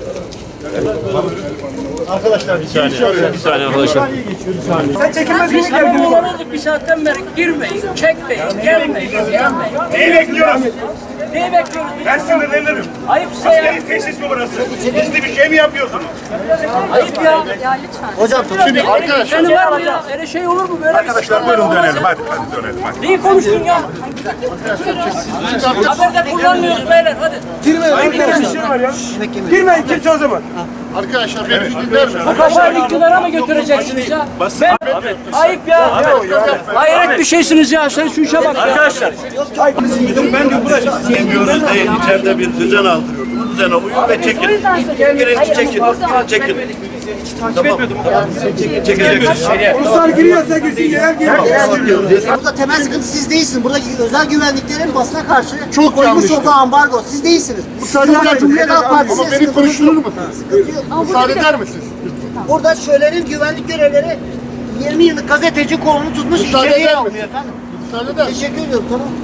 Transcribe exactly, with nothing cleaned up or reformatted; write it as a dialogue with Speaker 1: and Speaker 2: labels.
Speaker 1: Arkadaşlar bir saniye. Bir saniye arkadaşlar.
Speaker 2: Sen çekilmez
Speaker 3: Biz hemen olalım bir saatten beri girmeyin, çekmeyin, gelmeyin, gelmeyin.
Speaker 4: Neyi bekliyoruz?
Speaker 3: Neyi bekliyoruz biz?
Speaker 4: Ben sinirlenirim.
Speaker 3: Ayıp size ya.
Speaker 4: Askeri tesis mi burası? Gizli bir şey mi yapıyorsunuz?
Speaker 3: Ayıp ya.
Speaker 1: Hocam şimdi arkadaşlar.
Speaker 3: Seni var mı ya? Öyle şey olur mu? Böyle
Speaker 4: Arkadaşlar buyurun dönelim. Hadi hadi dönelim. Hadi.
Speaker 3: Neyi konuştun ya? Haberde kullanmıyoruz beyler hadi.
Speaker 2: girmeyin kimse o zaman.
Speaker 1: Arkadaşlar beni bir dinler mi?
Speaker 3: Bu kafayı iktidara mı götüreceksiniz ya? Ben, ayıp ya. Hayret bir şeysiniz ya. Sen şu işe bak ya. Arkadaşlar.
Speaker 2: Ben de buraya
Speaker 5: Demiyoruz değil, içeride bir düzen aldırıyoruz. Bu düzene uyun ve çekin. Girin, çekin, çekin. Takip etmiyordum. Çekeceksiniz.
Speaker 2: Ruslar giriyorsa girsin eğer giriyor.
Speaker 6: Burada temel sıkıntı siz değilsiniz. Burada özel güvenliklerin basına karşı
Speaker 1: Çok
Speaker 6: koymuş
Speaker 1: yanlış.
Speaker 6: olduğu ambargo. Siz değilsiniz. Burada Cumhuriyet Halk Partisi.
Speaker 1: Ama beni konuşturur musunuz? Müsaade eder misiniz?
Speaker 6: Burada şölenin güvenlik görevleri yirmi yıllık gazeteci kolunu tutmuş
Speaker 1: Müsaade
Speaker 6: içeriye
Speaker 1: eder
Speaker 6: almıyor
Speaker 1: misiniz?
Speaker 6: efendim.
Speaker 1: Müsaade eder misiniz?
Speaker 6: Teşekkür ediyorum tamam.